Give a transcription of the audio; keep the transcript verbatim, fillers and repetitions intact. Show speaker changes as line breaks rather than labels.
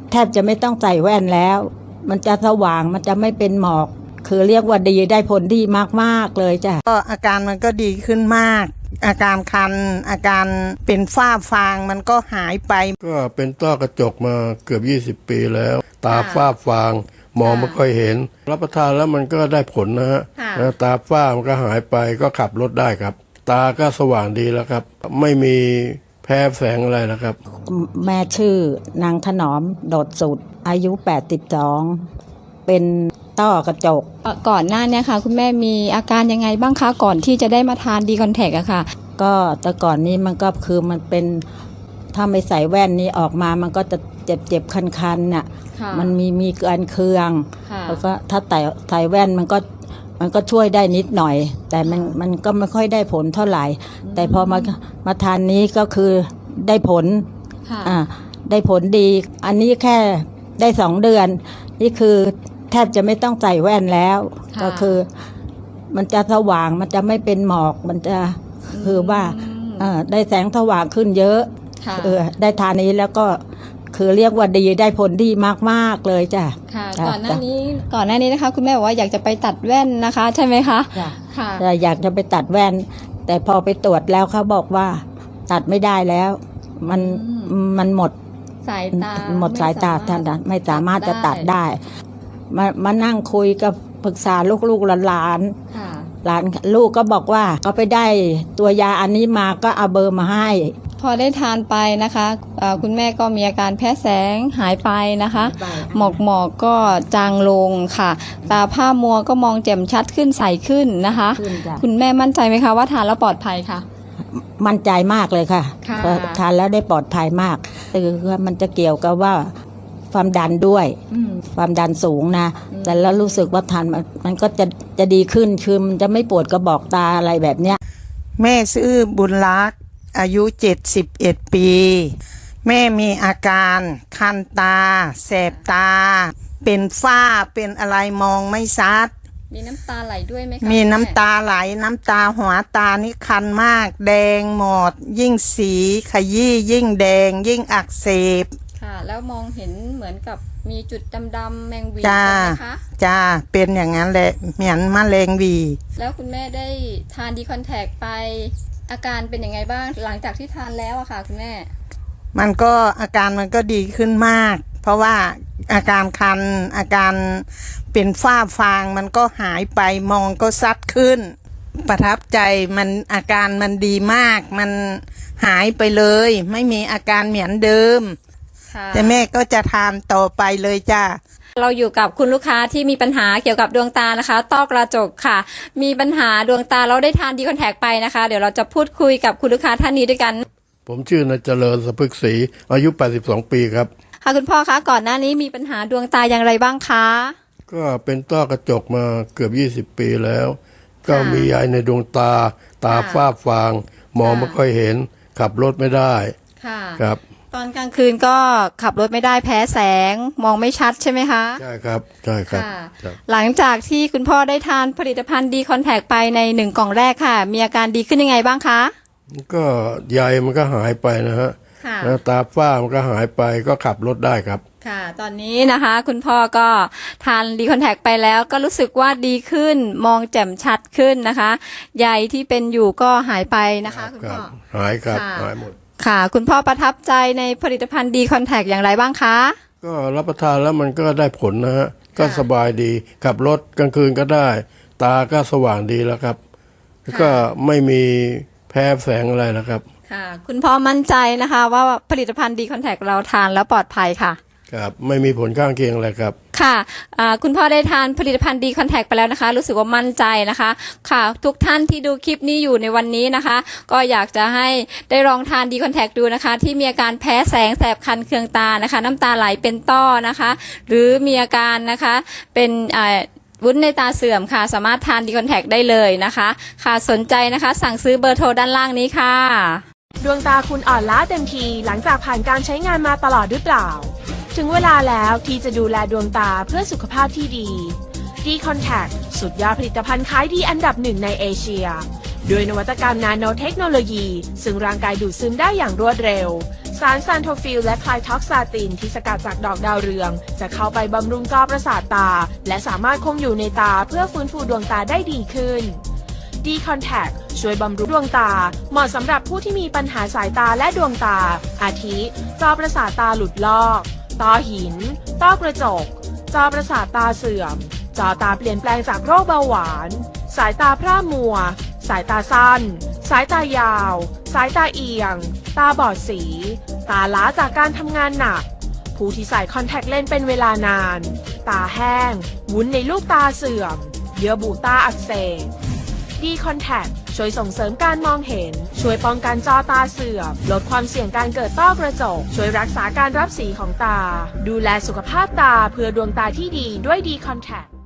แทบจะไม่ต้องใส่แว่นแล้วมันจะสว่างมันจะไม่เป็นหมอกคือเรียกว่าดีได้ผลดีมากๆเลยจ้ะ
ก็อาการมันก็ดีขึ้นมากอาการคันอาการเป็นฝ้าฟางมันก็หายไป
ก็เป็นต้อกระจกมาเกือบยี่สิบปีแล้วตาฝ้าฟางมองไม่ค่อยเห็นรับประทานแล้วมันก็ได้ผลนะฮะตาฝ้ามันก็หายไปก็ขับรถได้ครับตาก็สว่างดีแล้วครับไม่มีแพ้แสงอะไรนะครับ
แม่ชื่อนางถนอมโดดสุดอายุแปดสิบสองเป็นต้อกระจก
ก่อนหน้านี้ค่ะคุณแม่มีอาการยังไงบ้างคะก่อนที่จะได้มาทานดีคอนแทคอะค่ะ
ก็แต่ก่อนนี้มันก็คือมันเป็นถ้าไม่ใส่แว่นนี้ออกมามันก็จะเจ็บเจ็บคันๆน่ะมันมีมีการเคืองแล้วก็ถ้าใส่ใส่แว่นมันก็มันก็ช่วยได้นิดหน่อยแต่มันมันก็ไม่ค่อยได้ผลเท่าไหร่แต่พอมามาทานนี้ก็คือได้ผลอ่าได้ผลดีอันนี้แค่ได้สองเดือนนี่คือแทบจะไม่ต้องใส่แว่นแล้วก็คือมันจะสว่างมันจะไม่เป็นหมอกมันจะคือว่าได้แสงสว่างขึ้นเยอะเออได้ทานนี้แล้วก็คือเรียกว่าดีได้ผลดีมากๆเลยจ้ะ
ค่ะก่อนหน้านี้ก่อนหน้านี้นะคะคุณแม่บอกว่าอยากจะไปตัดแว่นนะคะใช่ไหมคะ
ค่ะอยากจะไปตัดแว่นแต่พอไปตรวจแล้วเขาบอกว่าตัดไม่ได้แล้วมันมันหมด
สายตา
หมดสายตาท่านไม่สามารถจะตัดได้มามานั่งคุยกับปรึกษาลูกๆหลานๆหลานลูกก็บอกว่าเขาไปได้ตัวยาอันนี้มาก็เอาเบอร์มาให้
พอได้ทานไปนะคะคุณแม่ก็มีอาการแพ้แสงหายไปนะคะหมอกหมอกก็จางลงค่ะตาผ้ามัวก็มองแจ่มชัดขึ้นใสขึ้นนะคะคุณแม่มั่นใจไหมคะว่าทานแล้วปลอดภัยค่ะ
มั่นใจมากเลยค่ะทานแล้วได้ปลอดภัยมากคือมันจะเกี่ยวกับว่าความดันด้วยความดันสูงนะแต่แล้วรู้สึกว่าทานมันก็จะจะดีขึ้นคือมันจะไม่ปวดกระบอกตาอะไรแบบเนี้ย
แม่ชื่อบุญรักษ์อายุเจ็ดสิบเอ็ดปีแม่มีอาการคันตาแสบตาเป็นฝ้าเป็นอะไรมองไม่ชัด
มีน้ำตาไหลด้วยไหมคะ
มีน้ำตาไหลน้ำตาหัวตานี่คันมากแดงหมดยิ่งสีขยี้ยิ่งแดงยิ่งอักเสบ
ค่ะแล้วมองเห็นเหมือนกับมีจุดดำๆแมงวีใช่ไหมคะ
จ้าเป็นอย่างนั้นแหละเหมือนมะเร็งวี
แล้วคุณแม่ได้ทานดีคอนแทคไปอาการเป็นยังไงบ้างหลังจากที่ทานแล้วอะค่ะคุณแม่
มันก็อาการมันก็ดีขึ้นมากเพราะว่าอาการคันอาการเป็นฝ้าฟางมันก็หายไปมองก็ซัดขึ้นประทับใจมันอาการมันดีมากมันหายไปเลยไม่มีอาการเหมือนเดิมแต่แม่ก็จะทานต่อไปเลยจ้า
เราอยู่กับคุณลูกค้าที่มีปัญหาเกี่ยวกับดวงตานะคะต้อกระจกค่ะมีปัญหาดวงตาเราได้ทานดีคอนแทคไปนะคะเดี๋ยวเราจะพูดคุยกับคุณลูกค้าท่านนี้ด้วยกัน
ผมชื่อนายเจริญสะพึกศรีอายุแปดสิบสองปีครับ
ค่ะคุณพ่อคะก่อนหน้านี้มีปัญหาดวงตาอย่างไรบ้างคะ
ก็เป็นต้อกระจกมาเกือบยี่สิบปีแล้วก็มีใยในดวงตาตาฝ้าฟางมองไม่ค่อยเห็นขับรถไม่ได้ครับ
ตอนกลางคืนก็ขับรถไม่ได้แพ้แสงมองไม่ชัดใช่ไหมคะ
ใช่ครับใช่ครับ
หลังจากที่คุณพ่อได้ทานผลิตภัณฑ์ดีคอนแทคไปในหนึ่งกล่องแรกค่ะมีอาการดีขึ้นยังไงบ้างคะ
ก็ใยมันก็หายไปนะฮะแล้วตาฝ้ามันก็หายไปก็ขับรถได้ครับ
ค่ะตอนนี้นะคะคุณพ่อก็ทานดีคอนแทคไปแล้วก็รู้สึกว่าดีขึ้นมองแจ่มชัดขึ้นนะคะใยที่เป็นอยู่ก็หายไปนะคะคุณพ่อ
หายครับหายหมด
ค่ะคุณพ่อประทับใจในผลิตภัณฑ์ดีคอนแทคอย่างไรบ้างคะ
ก็รับประทานแล้วมันก็ได้ผลนะฮะก็สบายดีขับรถกลางคืนก็ได้ตาก็สว่างดีแล้วครับก็ไม่มีแพ้แสงอะไรนะครับ
ค่ะคุณพ่อมั่นใจนะคะว่าผลิตภัณฑ์ดีคอนแทคเราทานแล้วปลอดภัยค่ะ
ครับไม่มีผลข้างเคียงอะไรครับ
ค่ะคุณพ่อได้ทานผลิตภัณฑ์ดีคอนแทคไปแล้วนะคะรู้สึกว่ามั่นใจนะคะค่ะทุกท่านที่ดูคลิปนี้อยู่ในวันนี้นะคะก็อยากจะให้ได้ลองทานดีคอนแทคดูนะคะที่มีอาการแพ้แสงแสบคันเคืองตานะคะน้ำตาไหลเป็นต้อนะคะหรือมีอาการนะคะเป็นวุ้นในตาเสื่อมค่ะสามารถทานดีคอนแทคได้เลยนะคะค่ะสนใจนะคะสั่งซื้อเบอร์โทรด้านล่างนี้ค่ะ
ดวงตาคุณอ่อนล้าเต็มทีหลังจากผ่านการใช้งานมาตลอดหรือเปล่าถึงเวลาแล้วที่จะดูแลดวงตาเพื่อสุขภาพที่ดี ดีคอนแทคสุดยอดผลิตภัณฑ์ขายดีอันดับหนึ่งในเอเชียด้วยนวัตกรรมนาโนเทคโนโลยีซึ่งร่างกายดูดซึมได้อย่างรวดเร็วสารซานโทฟิลและไคลท็อกซาตินที่สกัดจากดอกดาวเรืองจะเข้าไปบำรุงจอประสาทตาและสามารถคงอยู่ในตาเพื่อฟื้นฟูดวงตาได้ดีขึ้น D Contact ช่วยบำรุงดวงตาเหมาะสำหรับผู้ที่มีปัญหาสายตาและดวงตาอาทิ จอประสาทตาหลุดลอกต้อหินต้อกระจกจอประสาทตาเสื่อมจอตาเปลี่ยนแปลงจากโรคเบาหวานสายตาพร่ามัวสายตาสั้นสายตายาวสายตาเอียงตาบอดสีตาล้าจากการทำงานหนักผู้ที่ใส่คอนแทคเลนส์เป็นเวลานานตาแห้งวุ้นในลูกตาเสื่อมเยื่อบุตาอักเสบD Contact ช่วยส่งเสริมการมองเห็นช่วยป้องกันจอตาเสื่อมลดความเสี่ยงการเกิดต้อกระจกช่วยรักษาการรับสีของตาดูแลสุขภาพตาเพื่อดวงตาที่ดีด้วยD Contact